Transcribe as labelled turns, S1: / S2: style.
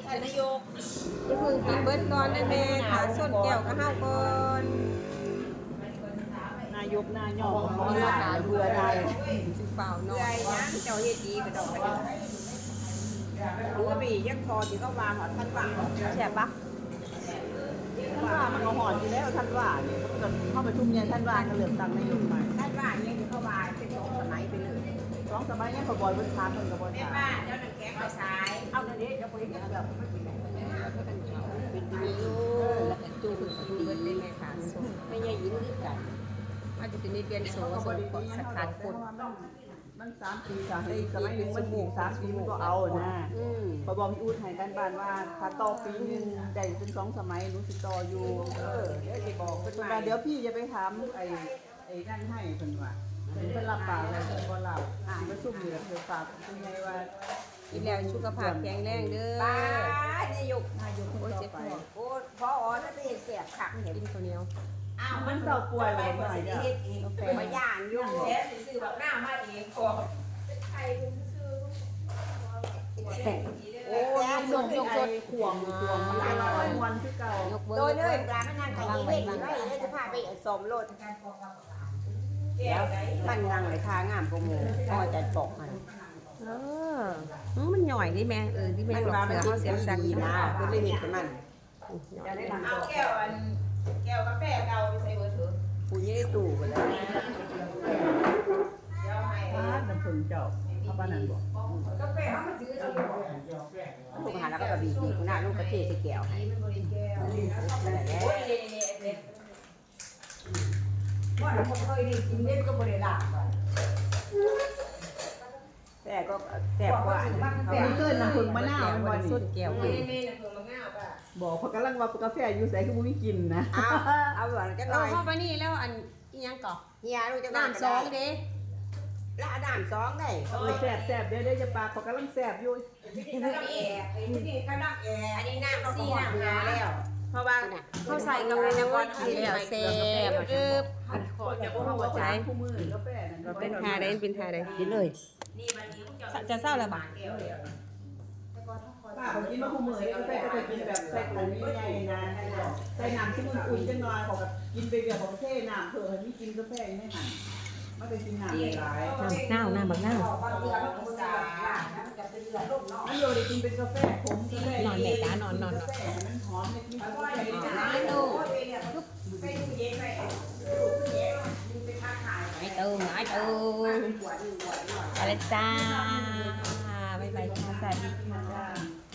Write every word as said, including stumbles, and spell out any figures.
S1: ท่านนายก
S2: อย่าเพิ่งกินเบิดก่อนนะแม่ขาส้นแก้วก็เฮาก่อน
S3: นายกนายกของเราหาเบื่อได้
S2: สิเปล่าหน่
S1: เพื่
S2: อ
S1: อย ยังเจ้าเฮ็ดดีก็ดอกกระดิ่งรู้ว่าบียังพอที่เขาวางหอดท่านวาง
S2: แซ่บปะ
S3: ท่านว่ามันก็หอนอยู่แล้วท่านว่าเนี่ยเขาก็เข้าประชุมเนี่ยท่านว่าก็เลือกตั้งนายกใหม่
S1: ท่านว่ายังเขาวางเป็นของสมัยไปเลย
S3: สองสมัยเนี่ยเขาบอยบนทางคนกับบน
S1: แม่
S3: ทาง
S1: บ้านเจ้าหนังแข็งไปสายเอาเดี๋ยวนี้เจ้าคนนี้เดี๋ยวไม่เป็นไร
S2: เป็นดีอยู่แล้วก็จูบกินเบิดเลยแม่ขาส้น
S1: ไม่ใช่ยินดีกัน
S2: อาจจะเป็นในเดือนโสโสกดสกัดคน
S3: มันสามปีสามปีสมัยหนึ่งมันปลูกสามปีมันก็เอานะ
S2: อืม
S3: พอบอกพี่อู๊ดให้กันบ้านว่าถ้าต่อปีหนึงได้เป็นสองสมัยหนูสิต่ออยู่
S1: เออเดี๋ยวจะบอกเป็น
S3: เพิ่น
S1: มา
S3: ว่าเดี๋ยวพี่จะไปถามไอ้ไอ้นั่นให้เพิ่นว่าเพิ่นเพิ่นรับปากอะไรเพิ่นบ่รับอ่าประชุมอยู่แล้วเพิ่นฝากเพิ่นไงว่า
S2: กินแล้วสุขภาพแข็งแรงเด้อ
S1: ป้านายก
S3: นายกคน
S2: โอ้ย
S3: ต่
S2: เจ็
S3: อบ ไป
S2: หัว
S1: โอ้พออ๋อนั่นเป็นเสียบขักเห็น
S2: กินข้าวเหนียว
S1: อ้าว
S3: มันเศร้าป่วย
S1: ไป
S3: ไป
S1: หม
S3: ห
S1: ด
S3: น่อย
S1: สิ
S3: เด้อ
S1: เฮ็ดเองมาย่างยุ่งแท้สิซื้อแบบหน้ามาเองก่อนโอ้ยยกสดยกสด
S3: ขวงขวงมันอร่อยวันคือเก่าย
S2: กเบิ
S1: โดย
S2: ด
S1: เลยปลามันนั่งไข่เล่นอยู่ไว้แล้วจะพาไปสมรถแล้วมันนั่งเลยทางามกว่าหมูพ่อจะตกมัน
S2: เอออืมมันหน่อยดิแม่เออที่แม่
S1: มัน
S2: หลอก
S1: ว่า
S2: เสื
S1: มัน
S2: อเขาเสียงสัก
S1: ดี
S2: นะ
S1: นะก็เลยเห็นกับมัน
S3: จะได้หลัง
S1: เอาแก้วอันแก้วกาแฟเก่าไปใส่เบอร์เถอะกูยังได้ตู่ไปแล้วเดี๋ยวให้
S3: พาดน้ำผึ้งเจ้าเอาปานนั้นบ่
S1: กาแฟเขามาซื้อเอาลูกหาแล้วก็กระบี่ดีกูน่าลูกกระเทศแก้วให้มันบริแก้วนั่นแหละโอ้ยนี่นี่นี่ว่าเราเคยได้กินเม็ดก็บริลาแต่ก็แต่กว่า
S3: แต่เกินน้ำผึ้งมะนาวมันบ่
S2: ส้น
S3: นี่
S2: แก้ว
S1: นี่นี่น้ำผึ้งมะนาวป่ะ
S3: บอกเขากำลังว่ากาแฟอยู่ไสคือบ่มีกินนะ
S1: เอาเอาหวานกันห
S2: เรา
S1: น่อย
S2: เข้าไปนี่แล้วอันอีหยังก่อ
S1: เฮียลูกจะ
S2: น้ำสองเด้
S1: แล้วน้ำสองได้
S3: เออแซ่บแซ่บเดี๋ยวเดี๋ยวจะปากเขากำลังแซ่บอยู่
S1: นี่ก็แอร์ไอ้นี่ก็นักแอร์อันนี้น้ำซี่น้ำงาแล้ว เพราะว่า
S2: เขาใส่กับอันนั้นก่อนกินแล้วแซ่บเอิบ
S3: ขอจะบ่ฮู้ว่าใช้คู่มือกาแฟนั่น
S2: เราเป็นทาได้เป็นทาได้กินเลย
S1: นี่มันนี้
S2: จะเศร้าแล้วบ่
S1: แก้วเดียว
S3: ป้าเขากินมาคู่มือกาแฟก็จะกินแบบใส่ถุงใหญ่ๆนะใส่น้ำที่มันอุ่นจังหน่อยเขาก็กินไปเดียวเขาก็เทน้ำเพิ่นให้มีกินกาแฟอยู่ในหันมันเป็นกินน้ำหลาย
S2: น้ำหน้าหน้าบักหน้า
S1: บางเดือนมันก็จะมันจะเป็นเดือนลูกเนาะ
S3: มันโยได้กินเป็นกาแฟขมกาแฟ
S2: นอนแม่ตานอนนอน
S3: กาแฟมันหอมมีกาแฟ
S1: ไม่ดูไปดูเย็นไปดูเย็นดูไปค้าขาย
S2: ไอ้ตูไอ้ตู
S1: หัวหนึ่งหัวหน่อย
S2: อะไรจ้าบ๊ายบายค่ะสวัสดีค่ะ